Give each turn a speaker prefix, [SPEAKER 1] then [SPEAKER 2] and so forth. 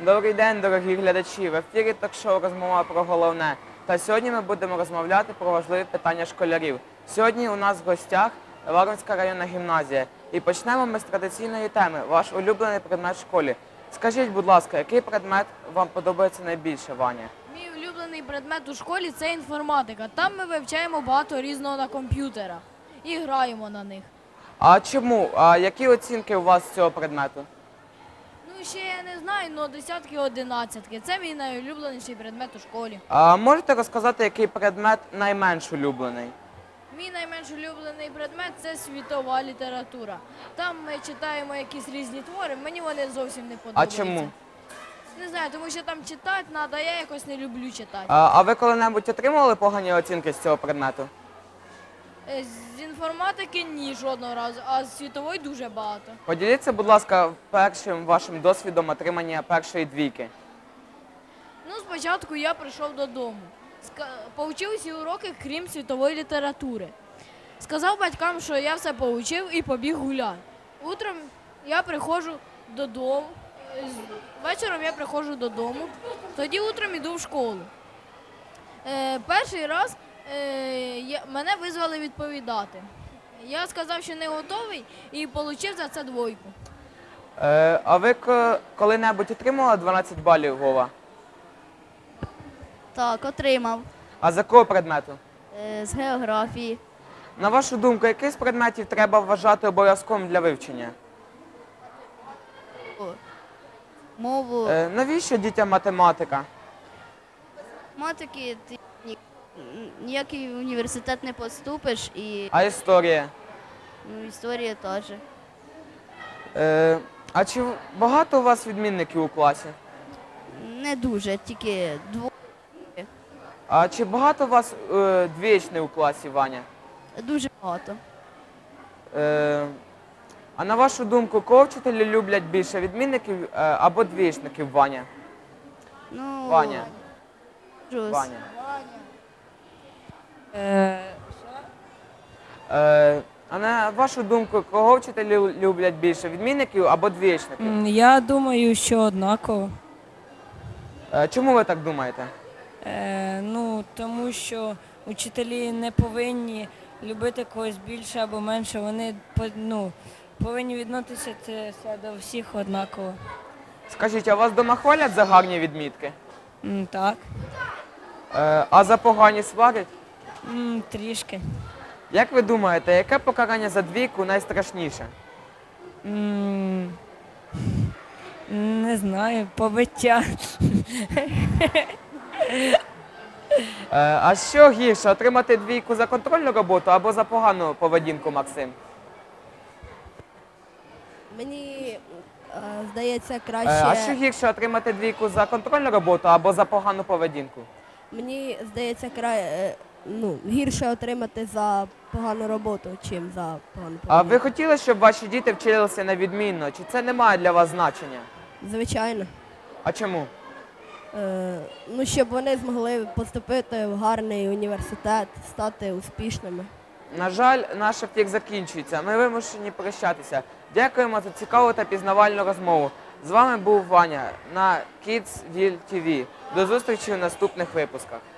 [SPEAKER 1] Добрий день, дорогі глядачі! В ефірі ток-шоу «Розмова про головне». Та сьогодні ми будемо розмовляти про важливі питання школярів. Сьогодні у нас в гостях Варвинська районна гімназія. І почнемо ми з традиційної теми – ваш улюблений предмет в школі. Скажіть, будь ласка, який предмет вам подобається найбільше, Ваня?
[SPEAKER 2] Мій улюблений предмет у школі – це інформатика. Там ми вивчаємо багато різного на комп'ютерах і граємо на них.
[SPEAKER 1] А чому? А які оцінки у вас з цього предмету?
[SPEAKER 2] Ну, ще я не знаю, але десятки, одинадцятки. Це мій найулюбленіший предмет у школі.
[SPEAKER 1] А можете розказати, який предмет найменш улюблений?
[SPEAKER 2] Мій найменш улюблений предмет – це світова література. Там ми читаємо якісь різні твори, мені вони зовсім не
[SPEAKER 1] А
[SPEAKER 2] подобаються.
[SPEAKER 1] чому?
[SPEAKER 2] Не знаю, тому що там читати треба, я якось не люблю читати.
[SPEAKER 1] А ви коли-небудь отримували погані оцінки з цього предмету?
[SPEAKER 2] З інформатики ні, жодного разу, а з світової дуже багато.
[SPEAKER 1] Поділіться, будь ласка, першим вашим досвідом отримання першої двійки.
[SPEAKER 2] Ну, спочатку я прийшов додому. Повчив усі уроки, крім світової літератури. Сказав батькам, що я все повчив і побіг гуляти. Утром я приходжу додому, вечором я приходжу додому, тоді утром іду в школу. Перший раз мене визвали відповідати. Я сказав, що не готовий і отримав за це двойку.
[SPEAKER 1] А ви коли-небудь отримували 12 балів, Вова?
[SPEAKER 3] Так, отримав.
[SPEAKER 1] А з якого предмету?
[SPEAKER 3] З географії.
[SPEAKER 1] На вашу думку, який з предметів треба вважати обов'язковим для вивчення?
[SPEAKER 3] Мову.
[SPEAKER 1] Навіщо дітям математика?
[SPEAKER 3] Математики ти ніякий університет не поступиш і
[SPEAKER 1] А історія?
[SPEAKER 3] історія теж.
[SPEAKER 1] А чи багато у вас відмінників у класі?
[SPEAKER 3] Не дуже, тільки двоє.
[SPEAKER 1] А чи багато у вас двічних у класі, Ваня?
[SPEAKER 3] Дуже багато.
[SPEAKER 1] А на вашу думку, кого вчителі люблять більше, відмінників або двічників, Ваня?
[SPEAKER 3] Ну,
[SPEAKER 1] Ваня.
[SPEAKER 3] Жус.
[SPEAKER 1] Ваня. А на вашу думку, кого вчителі люблять більше, відмінників або двічників?
[SPEAKER 4] Я думаю, що однаково.
[SPEAKER 1] Чому ви так думаєте?
[SPEAKER 4] Тому що учителі не повинні любити когось більше або менше. Вони повинні відноситися до всіх однаково.
[SPEAKER 1] Скажіть, а вас вдома хвалять за гарні відмітки?
[SPEAKER 4] Так.
[SPEAKER 1] А за погані сварять?
[SPEAKER 4] Трішки.
[SPEAKER 1] Як ви думаєте, яке покарання за двійку найстрашніше?
[SPEAKER 4] Не знаю, побиття.
[SPEAKER 1] А що гірше, отримати двійку за контрольну роботу або за погану поведінку, Максим?
[SPEAKER 5] Мені здається
[SPEAKER 1] А
[SPEAKER 5] краще.
[SPEAKER 1] що гірше, отримати двійку за контрольну роботу або за погану поведінку?
[SPEAKER 5] Мені здається, гірше отримати за погану роботу, чим за погану
[SPEAKER 1] А
[SPEAKER 5] поведінку.
[SPEAKER 1] ви хотіли, щоб ваші діти вчилися на відмінно? Чи це не має для вас значення?
[SPEAKER 5] Звичайно.
[SPEAKER 1] А чому?
[SPEAKER 5] Щоб вони змогли поступити в гарний університет, стати успішними.
[SPEAKER 1] На жаль, наш ефір закінчується. Ми вимушені прощатися. Дякуємо за цікаву та пізнавальну розмову. З вами був Ваня на Kidsville TV. До зустрічі у наступних випусках.